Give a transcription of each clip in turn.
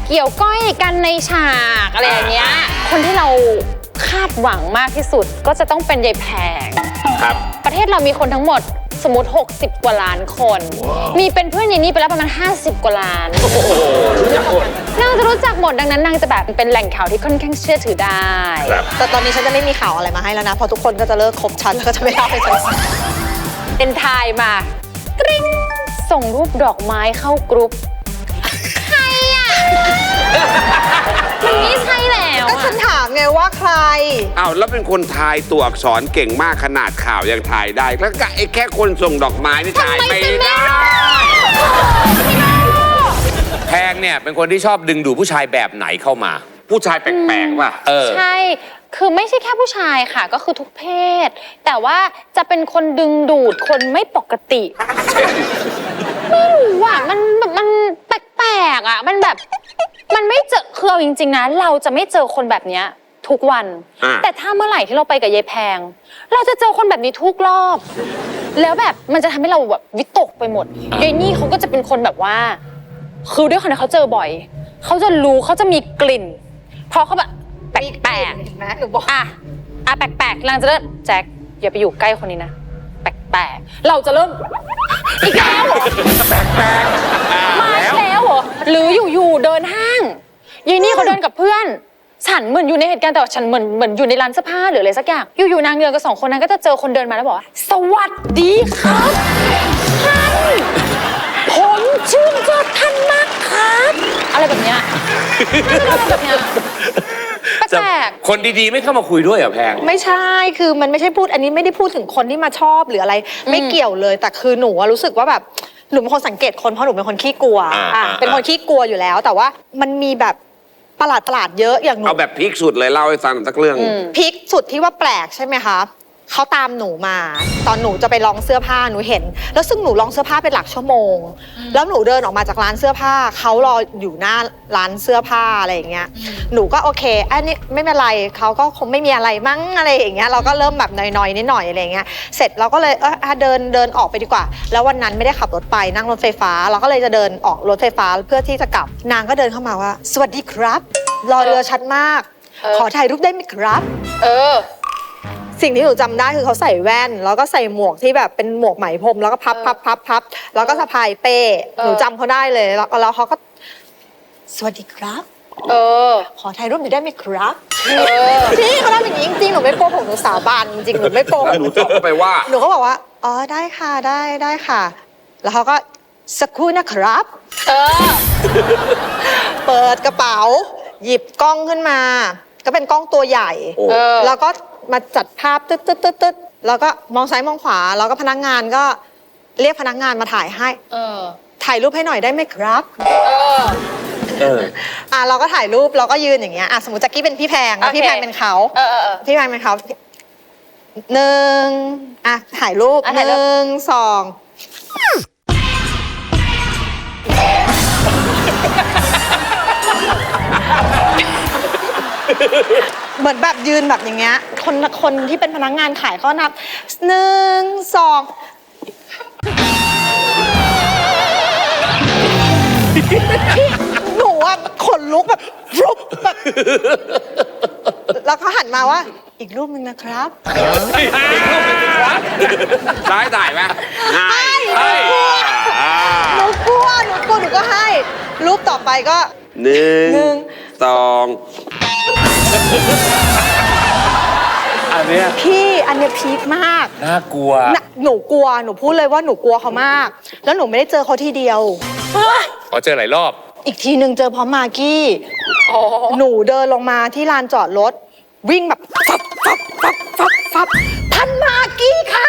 เกี่ยวก้อยกันในฉากอะไรอย่างเงี้ยคนที่เราคาดหวังมากที่สุดก็จะต้องเป็นยายแพงครับประเทศเรามีคนทั้งหมดสมมติ60กว่าล้านคนมีเป็นเพื่อนอย่างนี้ไปแล้วประมาณ50กว่าล้านรู้จักหมดนางจะรู้จักหมดดังนั้นนางจะแบบเป็นแหล่งข่าวที่ค่อนข้างเชื่อถือได้แต่ตอนนี้ฉันจะไม่มีข่าวอะไรมาให้แล้วนะเพราะทุกคนก็จะเลิกคบฉันแล้วก็จะไม่เล่าให้ฉันฟังเป็นทายมากริ๊งส่งรูปดอกไม้เข้ากรุ๊ปใครอ่ะมันไม่ใช่แล้วก็ฉันถามไงว่าใครอ้าวแล้วเป็นคนทายตัวอักษรเก่งมากขนาดข่าวยังทายได้แล้วก็ไอ้แค่คนส่งดอกไม้นี่ทายไม่ได้แพงเนี่ยเป็นคนที่ชอบดึงดูดผู้ชายแบบไหนเข้ามาผู้ชายแปลกๆป่ะใช่คือไม่ใช่แค่ผู้ชายค่ะก็คือทุกเพศแต่ว่าจะเป็นคนดึงดูดคนไม่ปกติไม่รู้อ่ะมันแปลกๆอ่ะมันแบบมันไม่เจอคือเอาจริงๆนะเราจะไม่เจอคนแบบนี้ทุกวันแต่ถ้าเมื่อไหร่ที่เราไปกับยายแพงเราจะเจอคนแบบนี้ทุกรอบแล้วแบบมันจะทำให้เราแบบวิตกไปหมดยายนี่เขาก็จะเป็นคนแบบว่าคือด้วยความที่เขาเจอบ่อยเขาจะรู้เขาจะมีกลิ่นเพราะเขาแบบแปลกๆนะหนูบอกแปลกๆนางจะเริ่มแจ็คอย่าไปอยู่ใกล้คนนี้นะแปลกๆเราจะเริ่มอีกแล้วเหรอแปลกๆมาแล้วเหรอหรืออยู่เดินห้างยายนี่เขาเดินกับเพื่อนฉันเหมือนอยู่ในเหตุการณ์แต่ฉันเหมือนอยู่ในร้านเสื้อผ้าหรืออะไรสักอย่างอยู่นางเดินกับ2คนนั้นก็จะเจอคนเดินมาแล้วบอกว่าสวัสดีครับท่านผมชื่นชอบท่านมากครับอะไรแบบเนี้ยแบบเนี้ยแปลกคนดีๆไม่เข้ามาคุยด้วยเหรอแพงไม่ใช่คือมันไม่ใช่พูดอันนี้ไม่ได้พูดถึงคนที่มาชอบหรืออะไรไม่เกี่ยวเลยแต่คือหนูรู้สึกว่าแบบหนูเป็นคนสังเกตคนเพราะหนูเป็นคนขี้กลัวเป็นคนขี้กลัวอยู่แล้วแต่ว่ามันมีแบบประหลาดเยอะอย่างหนูเอาแบบพีคสุดเลยเล่าให้ฟังสักเรื่องพีคสุดที่ว่าแปลกใช่ไหมคะเขาตามหนูมาตอนหนูจะไปลองเสื้อผ้าหนูเห็นแล้วซึ่งหนูลองเสื้อผ้าเป็นหลักชั่วโมงแล้วหนูเดินออกมาจากร้านเสื้อผ้าเขารออยู่หน้าร้านเสื้อผ้าอะไรอย่างเงี้ยหนูก็โอเคอันนี้ไม่เป็นไรเขาก็คงไม่มีอะไรมั้งอะไรอย่างเงี้ยเราก็เริ่มแบบน้อยๆนิดหน่อยอะไรอย่างเงี้ยเสร็จเราก็เลยเดินออกไปดีกว่าแล้ววันนั้นไม่ได้ขับรถไปนั่งรถไฟฟ้าเราก็เลยจะเดินออกรถไฟฟ้าเพื่อที่จะกลับนางก็เดินเข้ามาว่าสวัสดีครับรอเรือชัดมากขอถ่ายรูปได้ไหมครับสิ่งที่หนูจำได้คือเขาใส่แว่นแล้วก็ใส่หมวกที่แบบเป็นหมวกไหมพรมแล้วก็พับแล้วก็สะพายเป้หนูจำเขาได้เลยแล้วเขาก็สวัสดีครับขอถ่ายรูปหน่อยได้ไหมครับพี่เขาทำอย่างนี้จริงๆหนูไม่โกหกหนูสาบานจริงๆหนูไม่โกหกหนูตอบไปว่าหนูก็บอกว่าอ๋อได้ค่ะได้ค่ะแล้วเขาก็สักครู่นะครับเปิดกระเป๋าหยิบกล้องขึ้นมาก็เป็นกล้องตัวใหญ่แล้วก็มาจัดภาพตึ๊ดแล้วก็มองซ้ายมองขวาแล้วก็พนักงานก็เรียกพนักงานมาถ่ายให้ถ่ายรูปให้หน่อยได้ไหมครับเราก็ถ่ายรูปเราก็ยืนอย่างเงี้ยสมมติแจ็คกี้เป็นพี่แพงแล้วพี่แพงเป็นเขาพี่แพงเป็นเขา1ถ่ายรูป1 2เหมือนแบบยืนแบบอย่างเงี้ยคนที่เป็นพนักงานขายก็นับ1 2หนูอะขนลุกแบบรุบแบบแล้วเขาหันมาว่าอีกรูปนึงนะครับอีกรูปนึงครับได้ถ่ายไหมให้หนูกลัวหนูก็ให้รูปต่อไปก็ 1 2 อันเนี้ยพีคมากน่ากลัวหนูกลัวหนูพูดเลยว่าหนูกลัวเขามากแล้วหนูไม่ได้เจอเขาทีเดียวเจอหลายรอบอีกทีหนึ่งเจอพร้อมมากกี้หนูเดินลงมาที่ลานจอดรถวิ่งแบบฟับท่านมากกี้ค่ะ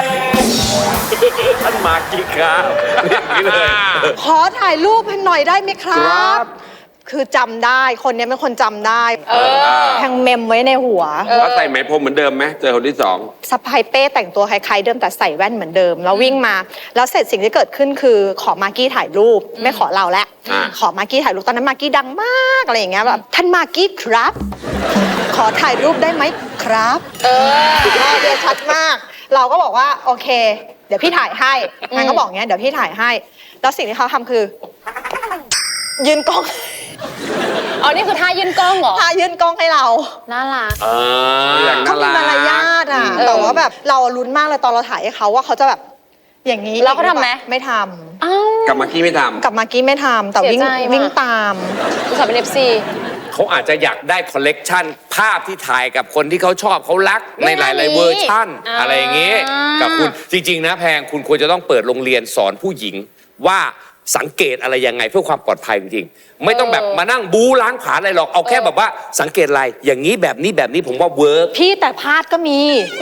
ท่านมากกี้ค่ะอย่างนี้เลยขอถ่ายรูปให้หน่อยได้ไหมครับคือจำได้คนนี้เป็นคนจำได้แทงเมมไว้ในหัวแล้วใส่ไหมพรมเหมือนเดิมไหมเจอคนที่2 สะพายเป้แต่งตัวคล้ายๆเดิมแต่ใส่แว่นเหมือนเดิมแล้ววิ่งมาแล้วเสร็จสิ่งที่เกิดขึ้นคือขอมากกี้ถ่ายรูปไม่ขอเราแล้วขอมากกี้ถ่ายรูปตอนนั้นมากกี้ดังมากอะไรอย่างเงี้ยแบบท่านมากกี้ครับขอถ่ายรูปได้ไหมครับเดี๋ยวชัดมากเราก็บอกว่าโอเคเดี๋ยวพี่ถ่ายให้นางก็บอกเงี้ยเดี๋ยวพี่ถ่ายให้แล้วสิ่งที่เขาทำคือยืนกล้องอ๋อนี่คือท่ายื่นกล้องเหรอพายื่นกล้องให้เราน่ารักอย่างเขาน่ามีรักมารยาทอ่ะ แต่ว่าแบบเราลุ้นมากเลยตอนเราถ่ายให้เขาว่าเขาจะแบบอย่างนี้แล้วเขาทำไหมไม่ทอ้าวกับเมื่อกี้ไม่ทำกับมากกี้ไม่ทำแต่วิ่งเสียใจว่ะวิ่งตามอุตส่าห์เป็น FC เขาอาจจะอยากได้คอลเลกชันภาพที่ถ่ายกับคนที่เขาชอบเขารักในหลาย ๆ เวอร์ชั่น อะไรอย่างงี้ กับคุณจริง ๆ นะแพงคุณควรจะต้องเปิดโรงเรียนสอนผู้หญิงว่าสังเกตอะไรยังไงเพื่อความปลอดภัยจริงๆไม่ต้องแบบมานั่งบู๊ล้างผลาญอะไรหรอกเอาแค่แบบว่าสังเกตอะไรอย่างนี้แบบนี้ผมว่าเวิร์กพี่แต่พลาดก็มี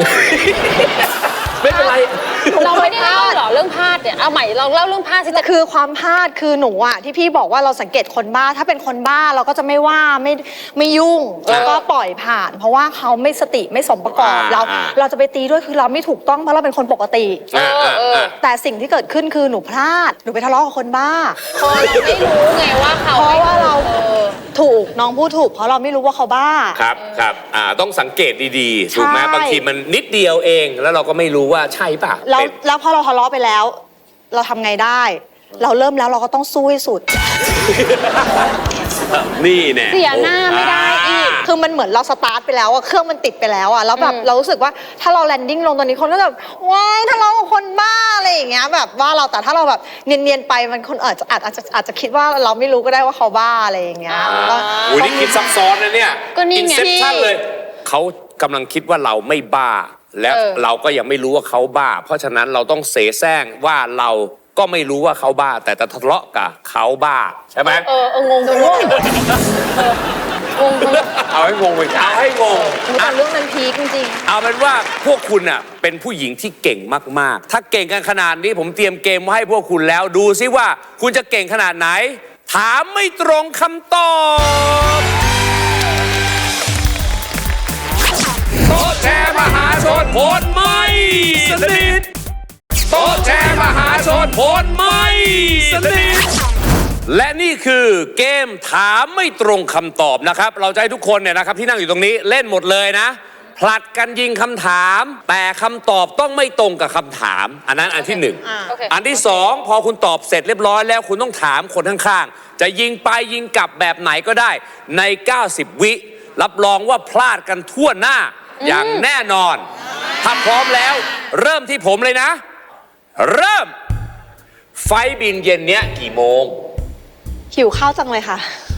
ไม่เป็นไรเราไม่ได้เล่าเหรอเรื่องพลาดเนี่ยเอาใหม่เราเล่าเรื่องพลาดสิจะคือความพลาดคือหนูอะที่พี่บอกว่าเราสังเกตคนบ้าถ้าเป็นคนบ้าเราก็จะไม่ว่าไม่ยุ่งแล้วก็ปล่อยผ่าน เพราะว่าเขาไม่สติไม่สมประกอบเราจะไปตีด้วยคือเราไม่ถูกต้องเพราะเราเป็นคนปกติ แต่สิ่งที่เกิดขึ้นคือหนูพลาดหนูไปทะเลาะกับคนบ้าพอเราไม่รู้ไงว่าเขาเพราะว่าเราถูกน้องพูดถูกเพราะเราไม่รู้ว่าเขาบ้าครับต้องสังเกตดีๆถูกไหมใช่บางทีมันนิดเดียวเองแล้วเราก็ไม่รู้ว่าใช่ป่ะแล้วพอเราทะเลาะไปแล้ว เราทำไงได้ เราเริ่มแล้วเราก็ต้องสู้ให้สุดนี่แน่เสียหน้าไม่ได้อีกคือมันเหมือนเราสตาร์ทไปแล้วอะเครื่องมันติดไปแล้วอะแล้วแบบเรารู้สึกว่าถ้าเราแลนดิ้งลงตอนนี้คนก็แบบว้ายทะเลาะกับคนบ้าอะไรอย่างเงี้ยแบบว่าเราแต่ถ้าเราแบบเนียนๆไปมันคนอาจจะคิดว่าเราไม่รู้ก็ได้ว่าเขาบ้าอะไรอย่างเงี้ยก็โอ้ยนี่คิดซับซ้อนนะเนี่ยก็นี่ไง Inception เลยเขากำลังคิดว่าเราไม่บ้า และเราก็ยังไม่รู้ว่าเขาบ้า เพราะฉะนั้นเราต้องเสแสร้งว่าเราก็ไม่รู้ว่าเขาบ้า แต่จะทะเลาะกับเขาบ้าใช่ไหมงงงงเอาให้งงไปเอาให้งงแต่เรื่องนั้นพีคจริงเอาเป็นว่าพวกคุณน่ะเป็นผู้หญิงที่เก่งมากๆ ถ้าเก่งกันขนาดนี้ผมเตรียมเกมไว้ให้พวกคุณแล้วดูซิว่าคุณจะเก่งขนาดไหน ถามไม่ตรงคำตอบโต๊ะแชร์มหาชนโพนไม่สนิทโต๊ะแชร์มหาชนโพนไม่สนิทและนี่คือเกมถามไม่ตรงคำตอบนะครับเราจะให้ทุกคนเนี่ยนะครับที่นั่งอยู่ตรงนี้เล่นหมดเลยนะผลัดกันยิงคำถามแต่คำตอบต้องไม่ตรงกับคำถามอันนั้นอันที่หนึ่งโอเคอันที่สองพอคุณตอบเสร็จเรียบร้อยแล้วคุณต้องถามคนข้างๆจะยิงไปยิงกลับแบบไหนก็ได้ใน 90 วิรับรองว่าพลาดกันทั่วหน้าอย่างแน่นอนถ้าพร้อมแล้วเริ่มที่ผมเลยนะ เริ่มไฟบินเย็นเนี้ยกี่โมงๆหิวข้าวจังเลยค่ะ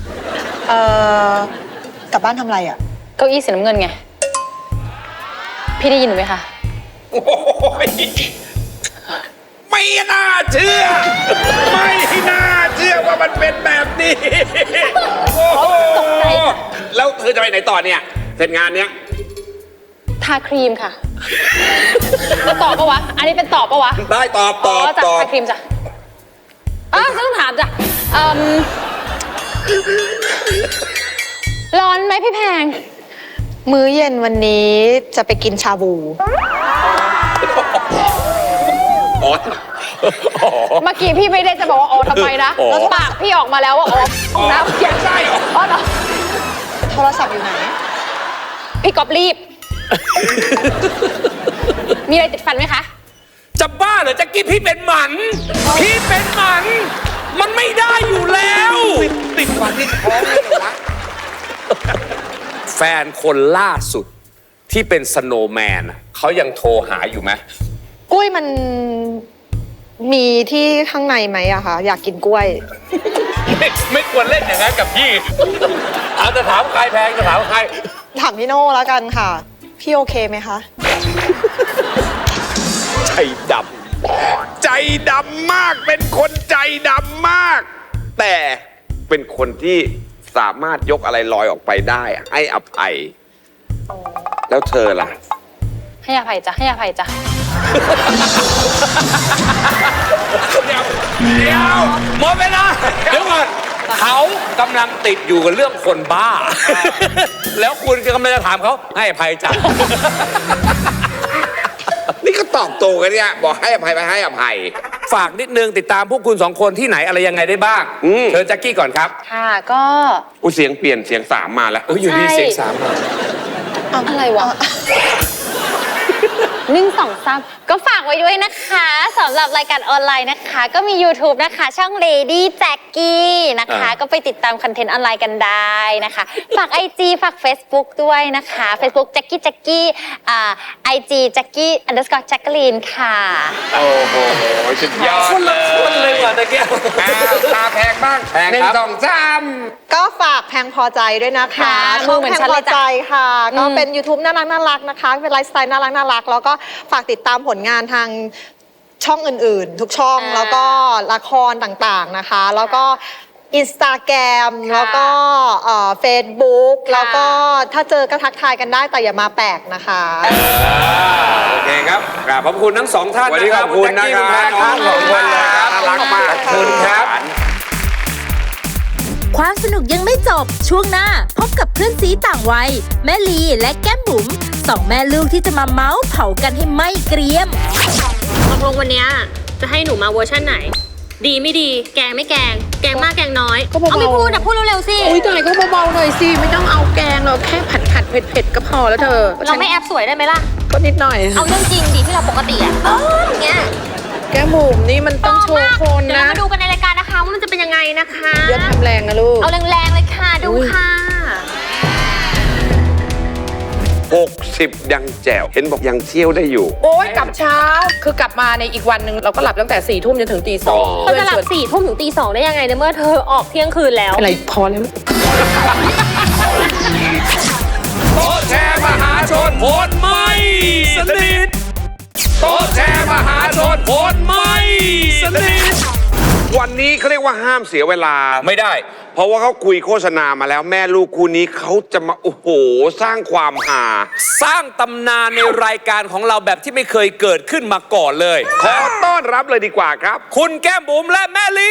กลับบ้านทำอะไรอะเก้าอี้สีน้ำเงินไง พี่ได้ยินหรือไหมคะโอ้ยไม่น่าเชื่อ ไม่น่าเชื่อว่ามันเป็นแบบนี้โอ้โหตกใจแล้วเธอจะไปไหนต่อเนี่ยเสร็จงานเนี้ยทาครีมค่ะจะตอบปะวะ อันนี้เป็นตอบปะวะได้ตอบอ๋อจ้ะทาครีมจ้ะฉันต้องถามจ้ะร้อนไหมพี่แพงมื้อเย็นวันนี้จะไปกินชาบูอ๋อเมื่อกี้พี่ไม่ได้จะบอกว่าอ๋อทำไมนะแล้วปากพี่ออกมาแล้วว่าอ๋อนะใช่อ๋อเหรอโทรศัพท์อยู่ไหนพี่ก๊อฟรีบ มีอะไรติดฟันไหมคะจะบ้าเหรอจะกี้พี่เป็นหมัน พี่เป็นหมัน มันไม่ได้อยู่แล้วติดฟันที่ท้องเลยเหรอวะแฟนคนล่าสุดที่เป็นสโนว์แมนอะเขายังโทรหาอยู่ไหมกล้วยมันมีที่ข้างในไหมอะคะอยากกินกล้วยไม่ควรเล่นอย่างนั้นกับพี่ เอาจะถามใครแพงจะถามใครถามพี่โน่แล้วกันค่ะ พี่โอเคไหมคะใจดำใจดำมากเป็นคนใจดำมาก แต่เป็นคนที่สามารถยกอะไรลอยออกไปได้ให้อภัย แล้วเธอล่ะให้อภัยจ้ะ ให้อภัยจ้ะเดี๋ยวหมดเวลาเดี๋ยวก่อนเขากำลังติดอยู่กับเรื่องคนบ้า แล้วคุณกำลังจะถามเขาให้อภัยจ้ะนี่ก็ตอบโตกันเนี่ยบอกให้อภัยไปให้อภัยฝากนิดนึงติดตามพวกคุณสองคนที่ไหนอะไรยังไงได้บ้าง เชิญแจ็คกี้ก่อนครับค่ะก็อุ้ยเสียงเปลี่ยนเสียงสามมาแล้วอยู่ดีใช่เสียงสามมาอะไรวะ 1 2 3ก็ฝากไว้ด้วยนะคะสำหรับรายการออนไลน์นะคะ ก็มี YouTube นะคะ ช่อง Lady Jackie นะคะ ก็ไปติดตามคอนเทนต์ออนไลน์กันได้นะคะ ฝาก IG ฝาก Facebook ด้วยนะคะ Facebook Jackie IG Jackie_Jacqueline ค่ะโอ้โหสุดยอดคนละคนเลยว่ะตะเกียบอ้าวตาแพงบ้างแพงหนึ่ครังบสองสามก็ฝากแพงพอใจด้วยนะคะค่ะช่องมือเหมือนแพงฉันพเลอยจ้ะใจค่ะ ก็เป็น YouTube น่ารักนะคะ เป็นไลฟ์สไตล์น่ารัก แล้วก็ฝากติดตามผลงานทางช่องอื่นๆ ทุกช่อง แล้วก็ละครต่างๆนะคะ แล้วก็Instagram แล้วก็Facebook แล้วก็ถ้าเจอก็ทักทายกันได้แต่อย่ามาแปลกนะคะโอเคครับกราบขอบคุณทั้งสองท่านวันนี้ขอบคุณนะแจ็คกี้รับณแพทน้องสองคนเลยครับน่ารักมากขอบคุณครับความสนุกยังไม่จบช่วงหน้าพบกับเพื่อนซีต่างวัยแม่ลีและแก้มบุ๋มสองแม่ลูกที่จะมาเมาส์เผากันให้ไม่เกรียมตกลงวันเนี้ยจะให้หนูมาเวอร์ชันไหน ดีไม่ดี แกงไม่แกง แกงมากแกงน้อยก็เบาๆเอาไม่พูดอ่ะพูดเร็วๆสิอุ้ยตายก็เบาๆหน่อยสิ ไม่ต้องเอาแกงหรอกแค่ผัดเผ็ดๆก็พอแล้วเธอเราไม่แอบสวยได้ไหมล่ะก็นิดหน่อยเอาเรื่องจริงดิที่เราปกติอ่ะอย่างเงี้ยแก้มบุ๋มนี่มันต้องโชว์คนเดี๋ยวนะเรามาดูกันในรายการนะคะว่ามันจะเป็นยังไงนะคะอย่าทำแรงนะลูกเอาแรงๆเลยค่ะ ดูค่ะ 60 ยังแจ๋ว เห็นบอกยังเที่ยวได้อยู่โอ้ยกลับเช้า คือกลับมาในอีกวันหนึ่งเราก็หลับตั้งแต่4 ทุ่มจนถึงตี 2 เขาจะหลับ4 ทุ่มถึงตี 2ได้ยังไงในเมื่อเธอออกเที่ยงคืนแล้วอะไรพอแล้วโต๊ะแชร์มหาชนผลไม่สนิทโต๊ะแชร์มหาชนผลไม่สนิทวันนี้เขาเรียกว่าห้ามเสียเวลาไม่ได้เพราะว่าเขาคุยโฆษณามาแล้วแม่ลูกคู่นี้เขาจะมา โอ้โห สร้างความหาสร้างตำนานในรายการของเราแบบที่ไม่เคยเกิดขึ้นมาก่อนเลยขอต้อนรับเลยดีกว่าครับคุณแก้มบุ๋มและแม่ลี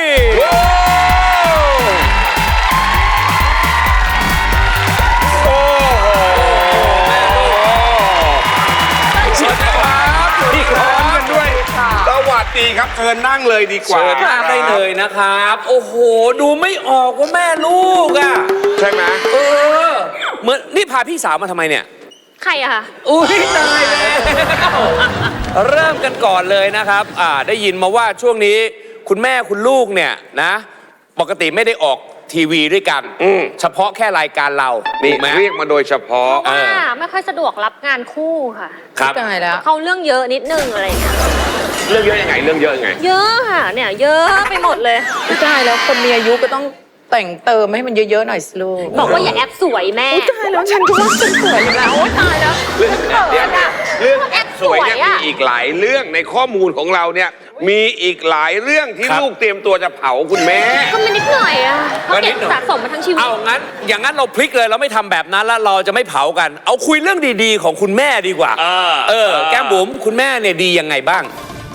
โอ้โหแม่ลูกสวัสดีครับพี่ร้อนกันด้วย สวัสดีครับเชิญนั่งเลยดีกว่าเชิญนั่งได้เลยนะครับ โอ้โห ดูไม่ออกว่าแม่ลูกอ่ะใช่ไหมเออ เหมือนนี่พาพี่สาวมาทำไมเนี่ยใครอะคะอุ้ยตายแล้วเริ่มกันก่อนเลยนะครับ ได้ยินมาว่าช่วงนี้คุณแม่คุณลูกเนี่ยนะ ปกติไม่ได้ออกทีวีด้วยกัน เฉพาะแค่รายการเรานี่ถูกไหมเรียกมาโดยเฉพาะเพราะว่าไม่ค่อยสะดวกรับงานคู่ค่ะครับตายแล้วเขาเรื่องเยอะนิดนึงอะไรอย่างเงี้ยเรื่องเยอะยังไง เรื่องเยอะยังไงเยอะค่ะเนี่ยเยอะไปหมดเลยไม่ได้แล้วคนมีอายุก็ต้องแต่งเติมให้มันเยอะๆหน่อยสิลูกบอกว่าอย่าแอบสวยแม่อุ๊ยตายแล้วฉันก็ว่าฉันสวยอยู่แล้วโอ๊ยตายแล้วเรื่องแอปสวยเนี่ยสวยอะมีอีกหลายเรื่องในข้อมูลของเราเนี่ยมีอีกหลายเรื่องที่ครับลูกเตรียมตัวจะเผาคุณแม่ก็ไม่นิดหน่อยอะเขาเก็บสะสมมาทั้งชีวิตเอางั้น อย่างนั้นเราพลิกเลยเราไม่ทำแบบนั้นแล้วเราจะไม่เผากัน เอาคุยเรื่องดีๆ ของคุณแม่ดีกว่า แก้มบุ๋มคุณแม่เนี่ยดียังไงบ้าง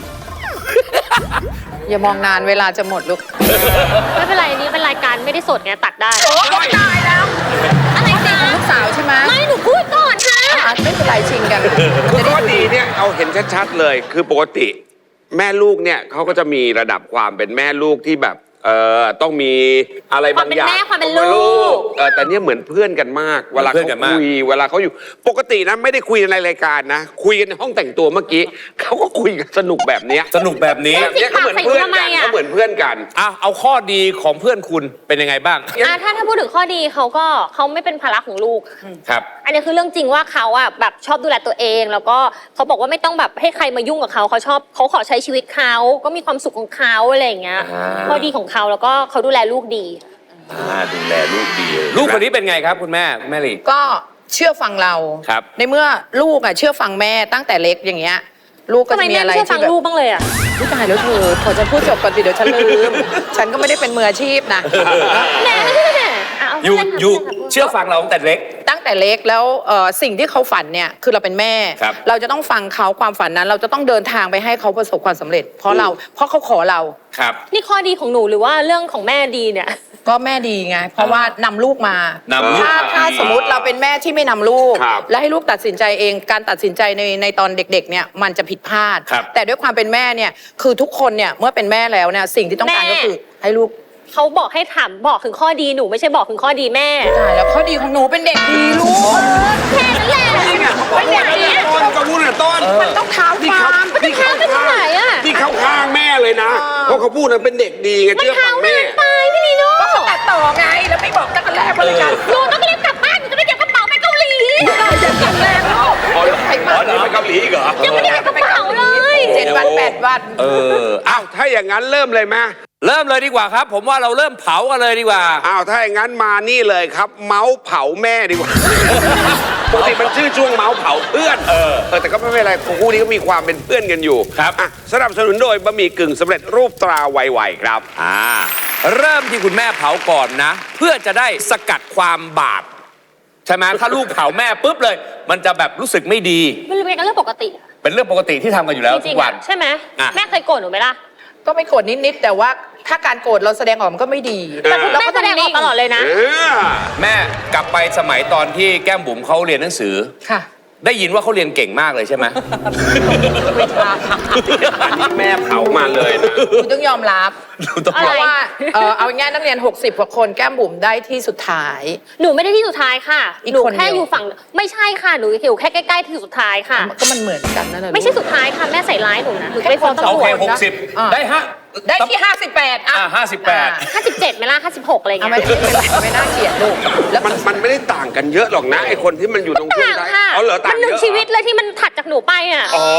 อย่ามองนานเวลาจะหมดลูกไม่เป็นไรอันนี้เป็นรายการไม่ได้สดไงตัดได้โอ๊ยตายแล้วอะไรคะลูกสาวใช่ไหมไม่หนูพูดก่อนค่ะไม่เป็นไรชิงกันคือข้อดีเนี่ยเอาเห็นชัดๆเลย คือปกติ แม่ลูกเนี่ยเขาก็จะมีระดับความเป็นแม่ลูกที่แบบต้องมีอะไรบางอย่างความเป็นแม่ความเป็นลูกแต่เนี่ยเหมือนเพื่อนกันมาก เวลาเพื่อนเขากันมากคุยเวลาเขาอยู่ปกตินะไม่ได้คุยในรายการนะ คุยกันในห้องแต่งตัวเมื่อกี้เขาก็คุยกันสนุกแบบเนี้ยสนุกแบบนี้แบบเนี้ยเขาเหมือนเพื่อนกันเขาเหมือนเพื่อนกันเอาข้อดีของเพื่อนคุณเป็นยังไงบ้างถ้าพูดถึงข้อดีเขาไม่เป็นภาระของลูกครับอันนี้คือเรื่องจริงว่าเขาอะแบบชอบดูแลตัวเอง แล้วก็เขาบอกว่าไม่ต้องแบบให้ใครมายุ่งกับเขาเขาขอใช้ชีวิตเขาก็มีความสุขของเขาอะไรอย่างเงี้ยข้อดีของเขาแล้วก็เขาดูแลลูกดีดูแลลูกดีเลยลูกคนนี้เป็นไงครับคุณแม่ลีก็เชื่อฟังเราครับในเมื่อลูกเชื่อฟังแม่ตั้งแต่เล็กอย่างเงี้ย ลูกก็ทำไมจะมีแม่อะไรไม่เชื่อฟัที่งแบบลูกบ้างเลยอะอุ๊ยตายแล้วเธอพอจะพูดจบก่อนสิเดี๋ยวฉันลืม ฉันก็ไม่ได้เป็นมืออาชีพนะแม่ไม่ใช่แม่ะเอาอยู่เล่นค่ะอยู่เล่นค่ะเชื่อฟังเราตั้งแต่เล็กตั้งแต่เล็กแล้วสิ่งที่เขาฝันเนี่ยคือเราเป็นแม่ครับเราจะต้องฟังเขาความฝันนั้น เราจะต้องเดินทางไปให้เขาประสบความสำเร็จ เพราะเขาขอเราครับนี่ข้อดีของหนูหรือว่าเรื่องของแม่ดีเนี่ยก็แม่ดีไง เพราะว่านำลูกมานำลูกถ้าสมมติเราเป็นแม่ที่ไม่นำลูกครับและให้ลูกตัดสินใจเองการตัดสินใจในตอนเด็กๆเนี่ยมันจะผิดพลาดครับแต่ด้วยความเป็นแม่เนี่ยคือทุกคนเนี่ยเมื่อเป็นแม่แล้วเนี่ยสิ่งที่ต้องการแม่ก็คือให้ลูกเขาบอกให้ถามบอกถึงข้อดีหนูไม่ใช่บอกถึงข้อดีแม่ใช่แล้วข้อดีของหนูเป็นเด็กดีลูกแค่นั้นแหละไม่ได้ต้นก็พูดนะต้นมันต้องเท้าที่ฟาเขาร์มที่เขาไม่เท่าไหร่อะที่เขาข้างแม่เลยนะ เพราะเขาพูดนะเป็นเด็กดีไงมันเชื่อฟัเท้างแม่นานไปพี่นีโน่ก็ตัดต่อไงแล้วไม่บอกตั้งแต่แรกว่าเลยกันหนูต้องรีบกลับบ้านหนูจะไปเก็บกระเป๋าไปเกาหลีจะกลับแล้วอ๋อเหรอไปเกาหลีอีกเหรอยังไม่ได้เก็บกระเป๋าเลย 7 วัน 8 วันอ้าวถ้าอย่างนั้นเริ่มเลยไหมเริ่มเลยดีกว่าครับ ผมว่าเราเริ่มเผากันเลยดีกว่าอ้าวถ้าอย่างนั้นมานี่เลยครับ เมาส์เผาแม่ดีกว่า ปกติมันชื่อช่วงเมาส์เผาเพื่อนแต่ก็ไม่เป็นไรคู่นี้ก็มีความเป็นเพื่อนกันอยู่ครับอ่ะสนับสนุนโดยบะหมี่กึ่งสำเร็จรูปตราไวๆครับเริ่มที่คุณแม่เผาก่อนนะ เพื่อจะได้สกัดความบาปใช่ไหมถ้าลูกเผาแม่ปุ๊บเลย มันจะแบบรู้สึกไม่ดีมันเป็นเรื่องปกติเป็นเรื่องปกติที่ทำกันอยู่แล้วจทุริงกๆวัอะนใช่ไหมอ่ะแม่เคยโกรธหนูไหมล่ะก็ไม่โกรธนิด ๆ แต่ว่าถ้าการโกรธเราแสดงออกมันก็ไม่ดีแต่คุณแม่แสดงออกตลอดเลยนะแม่กลับไปสมัยตอนที่แก้มบุ๋มเขาเรียนหนังสือค่ะได้ยินว่าเขาเรียนเก่งมากเลยใช่ไหมไม่ทราบอันนี้แม่เผามาเลยนะคุณต้องยอมรับต้องอะเพไรราะว่าเอาง่ายๆนักเรียน 60 กว่าคนแก้มบุ๋มได้ที่สุดท้ายหนูไม่ได้ที่สุดท้ายค่ะอีกหนูคนเดียวแค่อยู่ฝั่งไม่ใช่ค่ะหนูอยู่แค่ใกล้ๆที่สุดท้ายค่ะก็มันเหมือนกันนั่นแหละไม่ใช่สุดท้ายค่ะแม่ใส่ร้ายหนูนะหนูจะไปฟ้องแค่ตำรโอวเคจ 60 ได้ฮะได้ที่ 58 อ่ะ58 57ไหมล่ะ56อะไรเอาเงี้ยไม่น่าเกลียดลูกแล้วมันไม่ได้ต่างกันเยอะหรอกนะไอคนที่มันอยู่ตรงช่วงต่างท้ายค่ะอ๋อเหรอต่างมันหนึ่งเยอะชีวิตเลยที่มันถัดจากหนูไปอ่ะอ๋อ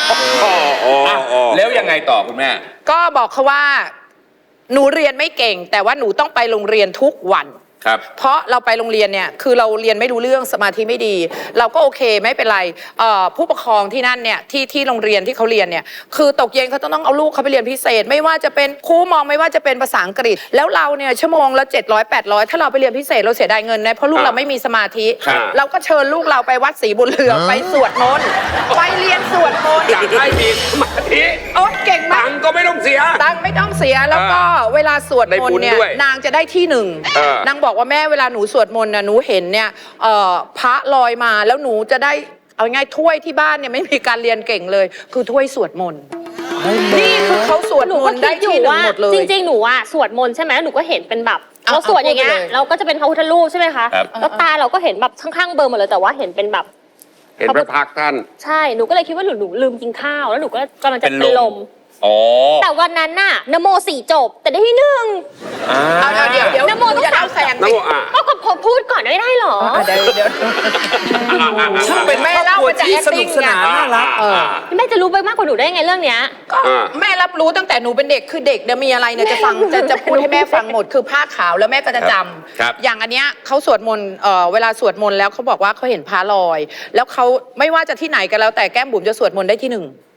แล้วยังไงต่อคุณแม่ก็บอกเขาว่า หนูเรียนไม่เก่ง แต่ว่าหนูต้องไปโรงเรียนทุกวันครับเพราะเราไปโรงเรียนเนี่ยคือเราเรียนไม่รู้เรื่องสมาธิไม่ดี เราก็โอเคไม่เป็นไรผู้ปกครองที่นั่นเนี่ยที่โรงเรียนที่เขาเรียนเนี่ยคือตกเย็นเขาต้องเอาลูกเขาไปเรียนพิเศษ ไม่ว่าจะเป็นครูมองไม่ว่าจะเป็นภาษาอังกฤษ แล้วเราเนี่ยชั่วโมงละ700 800ถ้าเราไปเรียนพิเศษเราเสียดายเงินนะเพราะลูกเราไม่มีสมาธิครับเราก็เชิญลูกเราไปวัดศรีบุญเรืองไปสวดมนต์ไปเรียนสวดมนต์อยากให้มีสมาธิโอ๊ยเก่งมาตักงค์ก็ไม่ต้องเสียตังค์ไม่ต้องเสียแล้วก็เวลาสวดมนต์เนี่ยได้บุญด้วยนางจะได้ที่หนึ่ง นางบอกว่าแม่เวลาหนูสวดมนต์นะหนูเห็นเนี่ยพระลอยมาแล้วหนูจะได้เอาง่ายถ้วยที่บ้านเนี่ยไม่มีการเรียนเก่งเลย คือถ้วยสวดมนต์นี่คือเขาสวดหนูมก็นต์คิได้ดอยู่ที่หนึ่งว่าหมดเลยจริงๆหนูอ่ะสวดมนต์ใช่ไหมหนูก็เห็นเป็นแบบเอาเราสวดอย่างเงี้ยเอาพูดไปเลยเราก็จะเป็นพระพุทธรูปใช่ไหมคะครับแล้วตาเราก็เห็นแบบข้างๆเบลอร์หมดเลยแต่ว่าเห็นเป็นแบบเห็นพระพักตร์ท่านใช่หนูก็เลยคิดว่าหนูลืมกินข้าวแล้วหนูก็กำลังจะเป็นเป็นลลมมอ๋อแต่วันนั้นน่ะนโม4จบ แต่ได้ที่1 เอาเดี๋ยวนะโมต้องอย่าเล่าแซงนะสิโมอ่ะก็พอพูดก่อนไม่ได้เหรอเดี๋ยวช่างเป็นแม่ครอบเล่าครัวมาจากที่สนุก acting สนานน่ารักแม่จะรู้ไปมากกว่าหนูได้ไงเรื่องเนี้ยก็แม่รับรู้ตั้งแต่หนูเป็นเด็กคือเด็กเนี่ยมีอะไรเนี่ยจะฟังจะพูดให้แม่ฟังหมดคือผ้าขาวแล้วแม่ก็จะจครับำอย่างอันเนี้ยเขาสวดมนต์เวลาสวดมนต์แล้วเขาบอกว่าเขาเห็นพระลอย แล้วเขาไม่ว่าจะที่ไหนกันแล้วแต่แก้มบุ๋มจะสวดมนต์ได้ที่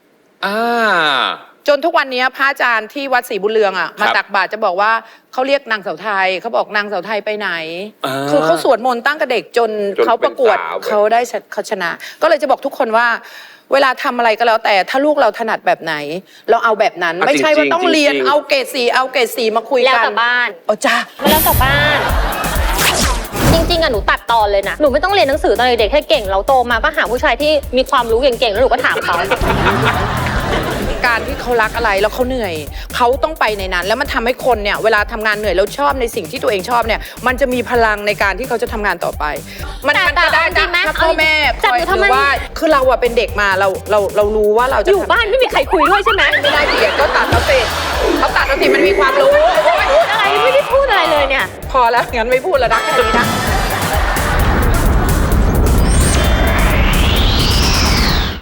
1 อ่าจนทุกวันนี้พระอาจารย์ที่วัดศรีบุญเรืองอ่ะมาตักบาตรจะบอกว่าเขาเรียกนางเสาไทยเขาบอกนางเสาไทยไปไหนอ่าคือเขาสวดมนต์ตั้งแต่เด็กจนเขาประกวดเป็นสาวเขาได้เขาชนะ ก็เลยจะบอกทุกคนว่า เวลาทำอะไรก็แล้วแต่ถ้าลูกเราถนัดแบบไหน เราเอาแบบนั้นอ่ะไม่ใช่ว่าจริงๆต้องเรียนจริงๆเอาเกรด4เอาเกรด4มาคุยแล้วกันกลับบ้านโอ้จ้าแล้วกลับบ้าน จริงๆอะหนูตัดตอนเลยนะหนูไม่ต้องเรียนหนังสือตอนเด็กๆแค่เก่งเราโตมาก็หาผู้ชายที่มีความรู้เก่งๆแล้วหนูก็ถามเขาการที่เขารักอะไรแล้วเขาเหนื่อยเขาต้องไปในนั้น แล้วมันทำให้คนเนี่ยเวลาทำงานเหนื่อยแล้วชอบในสิ่งที่ตัวเองชอบเนี่ยมันจะมีพลังในการที่เขาจะทำงานต่อไป มันแต่ก็ได้เอาจริงไหมถ้าพ่อแม่คจับอยอยู่หทำไมรือว่าคือเราอะเป็นเด็กมาเรารู้ว่าเราจะอยู่บ้านไม่มีใครคุยด้วยใช่ไหมไม่ได้เกลียดก็ตัดเขาสิมันมีความรู้พูดอะไรไม่ได้พูดอะไรเลยเนี่ยพอแล้วงั้นไม่พูดแล้วนะแค่นี้นะ